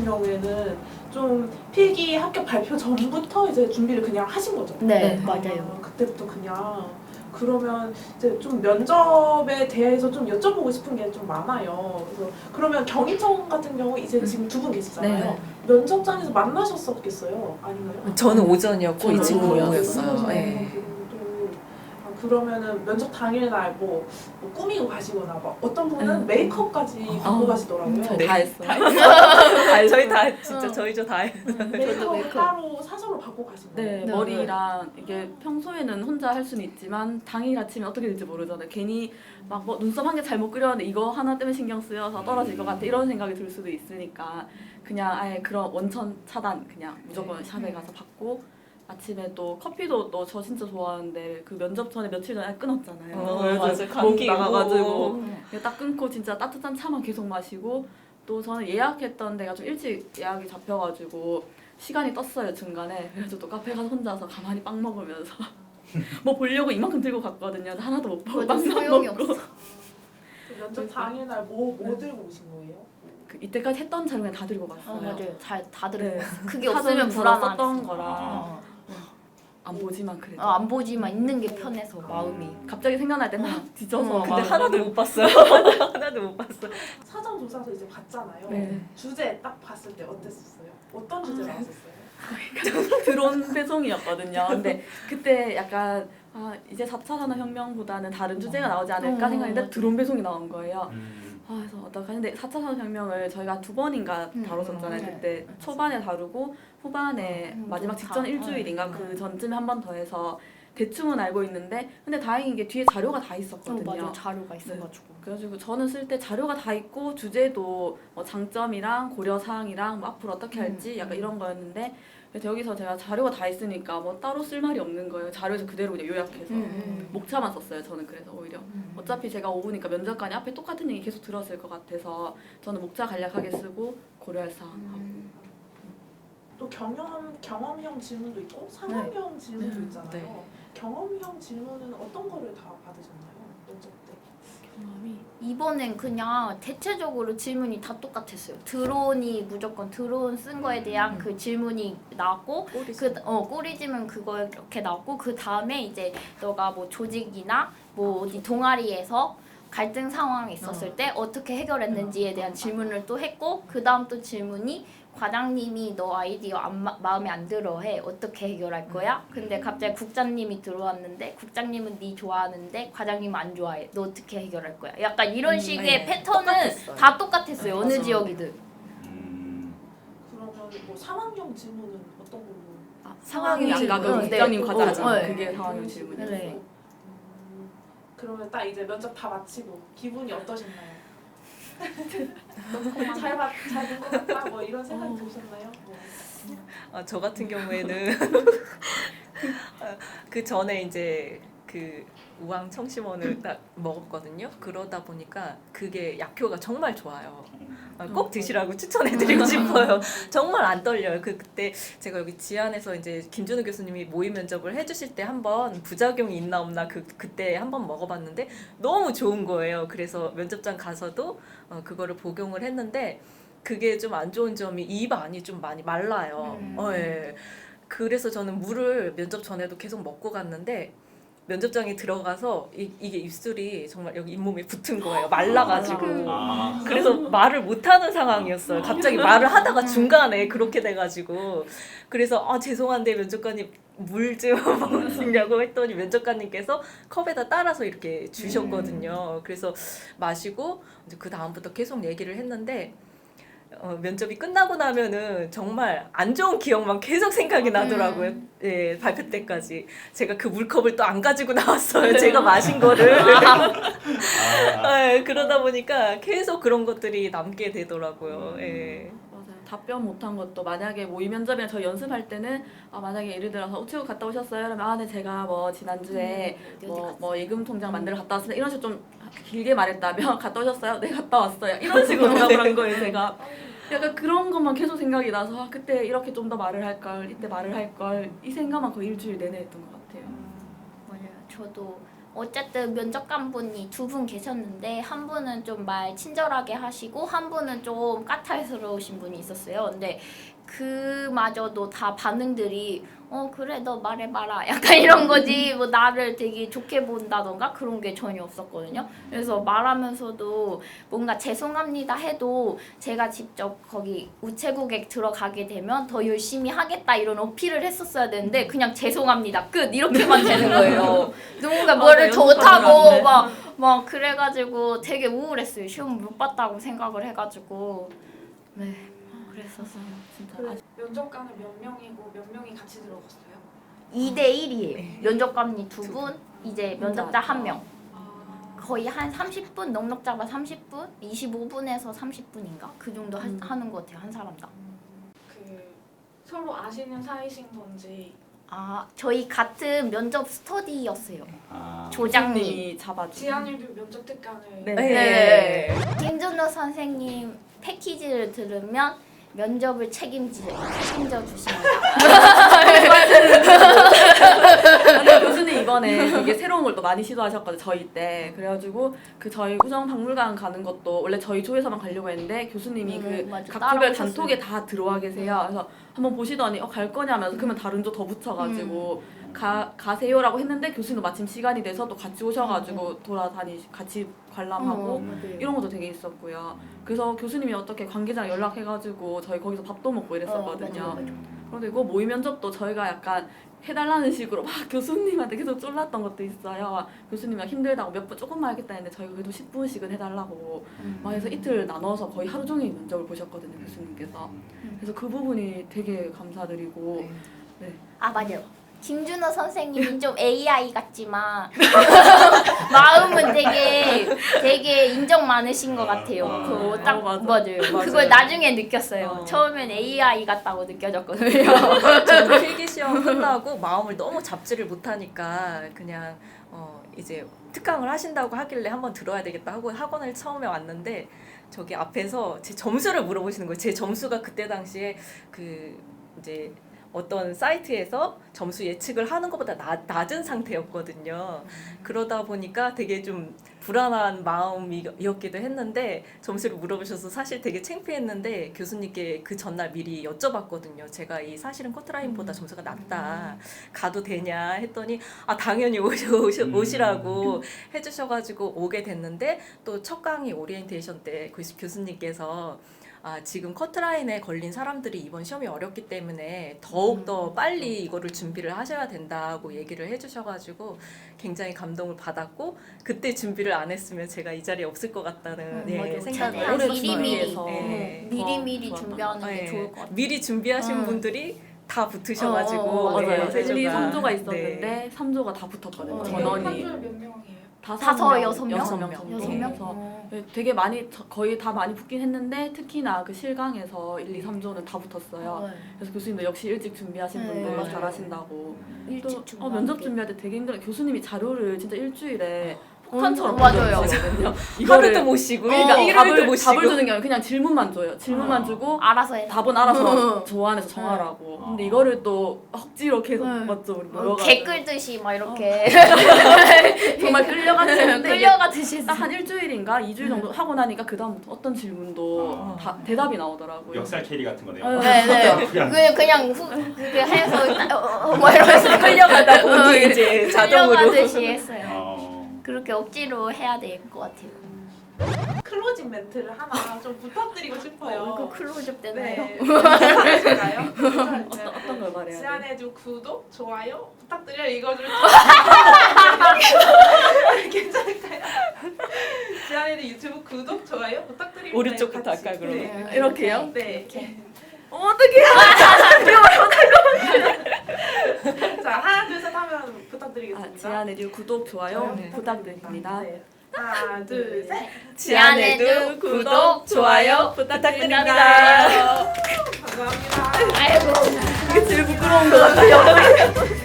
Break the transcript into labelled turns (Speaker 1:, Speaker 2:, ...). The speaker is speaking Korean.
Speaker 1: 경우에는 좀 필기 합격 발표 전부터 이제 준비를 그냥 하신 거죠?
Speaker 2: 네,
Speaker 3: 네.
Speaker 2: 맞아요.
Speaker 1: 그때부터 그냥. 그러면 이제 좀 면접에 대해서 좀 여쭤보고 싶은 게 좀 많아요. 그래서 그러면 경희청 같은 경우 이제 지금 두 분 계시잖아요.
Speaker 3: 네.
Speaker 1: 면접장에서 만나셨었겠어요? 아닌가요?
Speaker 3: 저는 오전이었고 이 친구
Speaker 1: 오후였어요.
Speaker 3: 오후였어요. 네.
Speaker 1: 그러면은 면접 당일날 뭐 꾸미고 가시거나 막 어떤 분은
Speaker 3: 응.
Speaker 1: 메이크업까지 받고 가시더라고요.
Speaker 3: 저희
Speaker 4: 네.
Speaker 3: 다 했어요. 저희 다 진짜
Speaker 2: 응.
Speaker 3: 저희죠 다 했어요.
Speaker 1: 메이크업
Speaker 2: 메이크업.
Speaker 1: 따로 사서로 받고 가신 거예요?
Speaker 4: 네,
Speaker 2: 네.
Speaker 4: 머리랑 이게 평소에는 혼자 할 수는 있지만 당일 아침에 어떻게 될지 모르잖아요. 괜히 막 뭐 눈썹 한 개 잘못 그렸는데 이거 하나 때문에 신경 쓰여서 떨어질 것 같아 이런 생각이 들 수도 있으니까 그냥 아예 그런 원천 차단 그냥 무조건 샵에 가서 받고 아침에 또 커피도 또 저 진짜 좋아하는데 그 면접 전에 며칠 전에 끊었잖아요. 그래서
Speaker 3: 맞아.
Speaker 4: 목
Speaker 3: 감기
Speaker 4: 나가가지고 딱 끊고 진짜 따뜻한 차만 계속 마시고 또 저는 예약했던 데가 좀 일찍 예약이 잡혀가지고 시간이 떴어요 중간에. 그래서 또 카페 가서 혼자서 가만히 빵 먹으면서 뭐 보려고 이만큼 들고 갔거든요. 하나도 못 보고
Speaker 2: 맞아,
Speaker 4: 빵만
Speaker 2: 소용이
Speaker 4: 먹고.
Speaker 2: 없어.
Speaker 1: 그 면접 당일날 뭐 들고 오신 거예요?
Speaker 4: 그 이때까지 했던 자료 그냥 다 들고 갔어요.
Speaker 2: 맞아요. 다 들고.
Speaker 4: 네.
Speaker 2: 그게 없으면
Speaker 4: 썼던
Speaker 2: 불안하지.
Speaker 4: 거라 안 보지만 그래도.
Speaker 2: 안 보지만 있는 게 편해서 마음이.
Speaker 4: 갑자기 생각날 때 막 뒤져서
Speaker 3: 근데
Speaker 4: 막
Speaker 3: 하나도 못 봤어요. 하나도 못 봤어요.
Speaker 1: 사전 조사서 이제 봤잖아요.
Speaker 4: 네.
Speaker 1: 주제 딱 봤을 때 어땠었어요? 어떤 주제 나왔었어요?
Speaker 4: 드론 배송이었거든요. 근데 그때 약간 이제 4차 산업혁명보다는 다른 주제가 나오지 않을까 생각했는데
Speaker 2: 맞아.
Speaker 4: 드론 배송이 나온 거예요.
Speaker 5: 음.
Speaker 4: 그래서 어떡하지? 근데 4차 산업혁명을 저희가 2번인가 다뤘었잖아요.
Speaker 2: 네.
Speaker 4: 그때 초반에 다루고 후반에 마지막 직전 일주일인가 그 전쯤에 한 번 더 해서 대충은 알고 있는데 근데 다행인 게 뒤에 자료가 다 있었거든요.
Speaker 2: 맞아. 자료가 있어가지고.
Speaker 4: 그래가지고 저는 쓸 때 자료가 다 있고 주제도 뭐 장점이랑 고려사항이랑 뭐 앞으로 어떻게 할지 약간 이런 거였는데 그래서 여기서 제가 자료가 다 있으니까 뭐 따로 쓸 말이 없는 거예요. 자료에서 그대로 그냥 요약해서 목차만 썼어요. 저는 그래서 오히려 어차피 제가 오니까 면접관이 앞에 똑같은 얘기 계속 들었을 것 같아서 저는 목차 간략하게 쓰고 고려할 사항 하고
Speaker 1: 또 경험형 질문도 있고 상황형 질문도 있잖아요.
Speaker 3: 네.
Speaker 1: 경험형 질문은 어떤 거를 다 받으셨나요? 면접 때?
Speaker 4: 경험이
Speaker 2: 이번엔 그냥 대체적으로 질문이 다 똑같았어요. 드론이 무조건 드론 쓴 거에 대한 그 질문이 나왔고 꼬리지면 그거 이렇게 나왔고 그 다음에 이제 너가 뭐 조직이나 뭐 어디 동아리에서 갈등 상황이 있었을 때 어떻게 해결했는지에 대한 질문을 또 했고 그 다음 또 질문이 과장님이 너 아이디어 마음에 안 들어 해. 어떻게 해결할 거야? 근데 갑자기 국장님이 들어왔는데 국장님은 네 좋아하는데 과장님은 안 좋아해. 너 어떻게 해결할 거야? 약간 이런 식의
Speaker 3: 네.
Speaker 2: 패턴은
Speaker 3: 똑같았어요.
Speaker 2: 다 똑같았어요. 어느
Speaker 3: 맞아요.
Speaker 2: 지역이든.
Speaker 1: 그러면 뭐 상황형 질문은 어떤 걸로?
Speaker 4: 상황이
Speaker 2: 질문.
Speaker 4: 아까 그
Speaker 2: 네.
Speaker 4: 국장님 과장
Speaker 2: 네.
Speaker 4: 그게 상황형 질문이었어요.
Speaker 2: 네.
Speaker 1: 그러면 딱 이제 면접 다 마치고 기분이 어떠셨나요? 잘된 것 같다 뭐 이런 생각이 드셨나요?
Speaker 3: 저 같은 경우에는 그 전에 이제 그 우황 청심원을 딱 먹었거든요. 그러다 보니까 그게 약효가 정말 좋아요. 꼭 드시라고 추천해드리고 싶어요. 정말 안 떨려요. 그때 제가 여기 지안에서 이제 김준우 교수님이 모의 면접을 해주실 때 한번 부작용이 있나 없나 그때 한번 먹어봤는데 너무 좋은 거예요. 그래서 면접장 가서도 그거를 복용을 했는데 그게 좀 안 좋은 점이 입 안이 좀 많이 말라요. 예. 그래서 저는 물을 면접 전에도 계속 먹고 갔는데 면접장에 들어가서 이게 입술이 정말 여기 잇몸에 붙은 거예요. 말라가지고.
Speaker 5: 아.
Speaker 3: 그래서 말을 못하는 상황이었어요. 갑자기 말을 하다가 중간에 그렇게 돼가지고. 그래서 죄송한데 면접관님 물 좀 먹으시냐고 했더니 면접관님께서 컵에다 따라서 이렇게 주셨거든요. 그래서 마시고 이제 그 다음부터 계속 얘기를 했는데 면접이 끝나고 나면은 정말 안 좋은 기억만 계속 생각이 나더라고요. 예, 발표 때까지. 제가 그 물컵을 또 안 가지고 나왔어요. 제가 마신 거를. 예, 그러다 보니까 계속 그런 것들이 남게 되더라고요. 예.
Speaker 4: 맞아요. 답변 못한 것도 만약에 모의 면접이나 저희 연습할 때는 만약에 예를 들어서 우체국 갔다 오셨어요? 그러면 네 제가 뭐 지난주에 뭐 예금 통장 만들어 갔다 왔습니다. 이런 식으로 좀 길게 말했다면 갔다 오셨어요? 네 갔다 왔어요. 이런 식으로 대답을 한 거예요. 제가 약간 그런 것만 계속 생각이 나서 그때 이렇게 좀 더 말을 할 걸, 이때 말을 할 걸 이 생각만 거의 일주일 내내 했던 것 같아요.
Speaker 2: 맞아요. 저도 어쨌든 면접관분이 두 분 계셨는데 한 분은 좀 말 친절하게 하시고 한 분은 좀 까탈스러우신 분이 있었어요. 근데 그마저도 다 반응들이 그래 너 말해봐라 약간 이런 거지 뭐 나를 되게 좋게 본다던가 그런 게 전혀 없었거든요. 그래서 말하면서도 뭔가 죄송합니다 해도 제가 직접 거기 우체국에 들어가게 되면 더 열심히 하겠다 이런 어필을 했었어야 되는데 그냥 죄송합니다 끝 이렇게만 되는 거예요. 누군가 뭐를 좋다고 막 그래가지고 되게 우울했어요. 시험 못 봤다고 생각을 해가지고 네 그랬었어요. 진짜.
Speaker 1: 면접관은 몇 명이고 몇 명이 같이 들어갔어요?
Speaker 2: 2대1이에요. 면접관이 두 분, 이제 면접자 한 명.
Speaker 1: 아,
Speaker 2: 거의 한 30분, 넉넉 잡아 30분, 25분에서 30분인가 그 정도 하는 것 같아요 한 사람당.
Speaker 1: 그 서로 아시는 사이신 건지.
Speaker 2: 아 저희 같은 면접 스터디였어요.
Speaker 5: 아,
Speaker 2: 조장님.
Speaker 4: 교수님이 잡아주.
Speaker 1: 지한이도 면접 특강을.
Speaker 4: 네.
Speaker 2: 네. 김준호 선생님 패키지를 들으면 면접을 책임져 주십니다.
Speaker 4: 근데 교수님 이번에 되게 새로운 걸 또 많이 시도하셨거든요. 저희 때. 그래가지고 그 저희 우정박물관 가는 것도 원래 저희 조에서만 가려고 했는데 교수님이
Speaker 2: 맞아.
Speaker 4: 각 조별
Speaker 2: 따라오셨어요.
Speaker 4: 단톡에 다 들어와 계세요. 그래서 한번 보시더니 갈 거냐면서 그러면 다른 조 더 붙여가지고 가세요라고 했는데 교수님도 마침 시간이 돼서 또 같이 오셔가지고 같이 관람하고 이런 것도 되게 있었고요. 그래서 교수님이 어떻게 관계자랑 연락해가지고 저희 거기서 밥도 먹고 이랬었거든요. 그런데 이거 모의 면접도 저희가 약간 해달라는 식으로 막 교수님한테 계속 쫄랐던 것도 있어요. 교수님이 힘들다고 몇 분 조금만 하겠다 했는데 저희가 그래도 10분씩은 해달라고 막 해서 이틀 나눠서 거의 하루 종일 면접을 보셨거든요, 교수님께서. 그래서 그 부분이 되게 감사드리고. 네.
Speaker 2: 아 맞아요. 김준호 선생님이 좀 AI 같지만 마음은 되게 인정 많으신 것 같아요. 그거 딱 맞아요. 그걸 나중에 느꼈어요. 처음엔 AI 같다고 느껴졌거든요.
Speaker 3: 저는 필기 시험 끝나고 마음을 너무 잡지를 못하니까 그냥 이제 특강을 하신다고 하길래 한번 들어야 되겠다 하고 학원을 처음에 왔는데 저기 앞에서 제 점수를 물어보시는 거예요. 제 점수가 그때 당시에 이제 어떤 사이트에서 점수 예측을 하는 것보다 낮은 상태였거든요. 그러다 보니까 되게 좀 불안한 마음이었기도 했는데 점수를 물어보셔서 사실 되게 창피했는데 교수님께 그 전날 미리 여쭤봤거든요. 제가 이 사실은 커트라인보다 점수가 낮다. 가도 되냐 했더니 당연히 오시라고 해주셔가지고 오게 됐는데 또 첫 강의 오리엔테이션 때 교수님께서 지금 커트라인에 걸린 사람들이 이번 시험이 어렵기 때문에 더욱더 빨리 이거를 준비를 하셔야 된다고 얘기를 해주셔가지고 굉장히 감동을 받았고 그때 준비를 안 했으면 제가 이 자리에 없을 것 같다는
Speaker 2: 맞아요.
Speaker 3: 생각을
Speaker 2: 최대한
Speaker 3: 했었어요.
Speaker 2: 미리미리
Speaker 4: 좋았던
Speaker 2: 준비하는 게 좋을 것 같아요.
Speaker 3: 미리 준비하신 분들이 다 붙으셔가지고
Speaker 4: 맞아요.
Speaker 3: 네,
Speaker 4: 1, 2, 3조가
Speaker 3: 네.
Speaker 4: 있었는데 3조가 다 붙었거든요.
Speaker 1: 한
Speaker 4: 전원이.
Speaker 1: 조에 몇 명이에요?
Speaker 2: 다섯, 여섯 명?
Speaker 4: 여섯 명 정도.
Speaker 2: 여섯 명?
Speaker 4: 그래서 되게 많이 거의 다 많이 붙긴 했는데 특히나 그 실강에서 1, 2, 3조는 다 붙었어요. 그래서 교수님도 역시 일찍 준비하신
Speaker 2: 네,
Speaker 4: 분들
Speaker 2: 맞아요.
Speaker 4: 잘하신다고.
Speaker 2: 일찍
Speaker 4: 또
Speaker 2: 준비하는
Speaker 4: 면접
Speaker 2: 게.
Speaker 4: 준비할 때 되게 힘들어요. 교수님이 자료를 진짜 일주일에 폭탄처럼
Speaker 2: 맞아요.
Speaker 4: 보여주시거든요.
Speaker 3: 하루도 못 쉬고
Speaker 4: 그러니까
Speaker 3: 일요일도 못 쉬고
Speaker 4: 답을 주는 게 아니라 그냥 질문만 줘요. 질문만 주고
Speaker 2: 알아서 해.
Speaker 4: 답은 알아서 조안해서 정하라고. 근데 이거를 또 억지로 계속 맞죠 우리 모여가지고.
Speaker 2: 개 끌듯이 막 이렇게
Speaker 4: 정말 끌려갔는데
Speaker 2: 끌려가듯이
Speaker 4: 딱 한 일주일인가 2주일 정도 하고 나니까 그 다음부터 어떤 질문도 다 대답이 나오더라고요.
Speaker 5: 역살 캐리 같은 거네요.
Speaker 2: 네네. 그냥 그게 해서 뭐 이러면서
Speaker 3: 끌려가다 보니 이제 자동으로
Speaker 2: 끌려가듯이 했어요.
Speaker 5: 어,
Speaker 2: 그렇게 억지로 해야 될 것 같아요.
Speaker 1: 클로징 멘트를 하나 좀 부탁드리고 싶어요.
Speaker 2: 이거 클로즈업 되나요?
Speaker 1: 네. 괜찮을까요?
Speaker 4: 어떤 걸 말해야 돼?
Speaker 1: 지안해주 구독, 좋아요 부탁드려요. 이거를 괜찮을까요? 지안해주 유튜브 구독, 좋아요 부탁드립니다.
Speaker 3: 오른쪽부터
Speaker 1: 같이.
Speaker 3: 할까요, 그러면?
Speaker 1: 네.
Speaker 4: 이렇게요?
Speaker 1: 네.
Speaker 4: 어떡해.
Speaker 1: 자 하나 둘 셋 하면 부탁드리겠습니다.
Speaker 4: 지안에듀 구독 좋아요
Speaker 1: 네.
Speaker 4: 부탁드립니다.
Speaker 1: 네. 하나 둘 셋.
Speaker 2: 지안에듀 구독, 좋아요
Speaker 4: 부탁드립니다.
Speaker 1: 감사합니다.
Speaker 2: 아이고.
Speaker 4: 이게 제일 부끄러운 것 같아요.